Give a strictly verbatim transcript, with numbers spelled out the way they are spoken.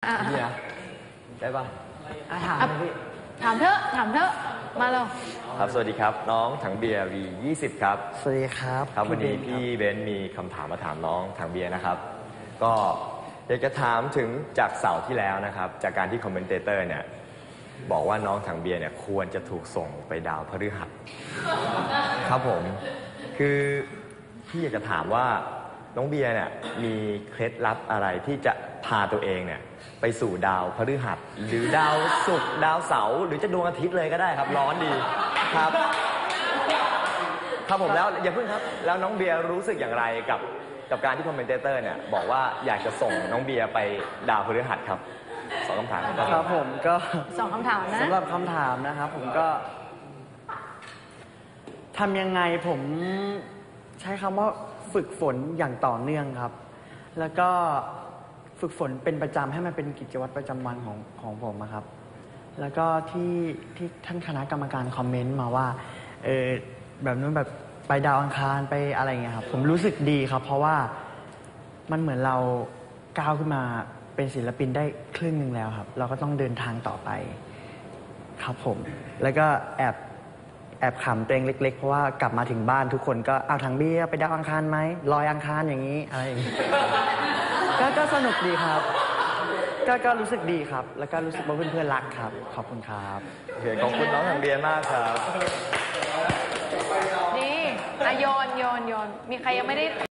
นี่นะได้ปะถามพี่ถามเถอะถามเถอะมาเลยครับสวัสดีครับน้องถังเบียร์ วี ยี่สิบ ครับสวัสดีครับครับวันนี้พี่เบนซ์มีคำถามมาถามน้องถังเบียร์นะครับก็อยากจะถามถึงจากเสาร์ที่แล้วนะครับจากการที่คอมเมนเตเตอร์เนี่ยบอกว่าน้องถังเบียร์เนี่ยควรจะถูกส่งไปดาวพฤหัสครับผมคือพี่อยากจะถามว่าน้องเบียร์เนี่ยมีเคล็ดลับอะไรที่จะพาตัวเองเนี่ยไปสู่ดาวพฤหัสหรือดาวศุกร์ดาวเสาร์หรือจะดวงอาทิตย์เลยก็ได้ครับร้อนดีครับครับผมแล้วอย่าเพิ่งครับแล้วน้องเบียร์รู้สึกอย่างไรกับกับการที่คอมเมนเตเตอร์เนี่ยบอกว่าอยากจะส่งน้องเบียร์ไปดาวพฤหัสครับสองคำถามครับผมก็สองคำถามนะสำหรับคำถามนะครับผมก็ทำยังไงผมใช้คำว่าฝึกฝนอย่างต่อเนื่องครับแล้วก็ฝึกฝนเป็นประจำให้มันเป็นกิจวัตรประจำวันของของผมครับแล้วก็ที่ที่ท่านคณะกรรมการคอมเมนต์มาว่าเออแบบนู้นแบบไปดาวอังคารไปอะไรเงี้ยครับผมรู้สึกดีครับเพราะว่ามันเหมือนเราก้าวขึ้นมาเป็นศิลปินได้ครึ่งหนึ่งแล้วครับเราก็ต้องเดินทางต่อไปครับผมแล้วก็แอบแอบขำตัวเองเล็กๆเพราะว่ากลับมาถึงบ้านทุกคนก็เอาถังเบียร์ไปดาวอังคารไหมลอยอังคารอย่างนี้อะไรอย่างนี้ ก็ก็สนุกดีครับก็ก็รู้สึกดีครับแล้วก็รู้สึกว่าเพื่อนๆรักครับขอบคุณครับโอเคขอบคุณน้องถังเบียร์มากครับนี่อะโยนโยนโยนมีใครยังไม่ได้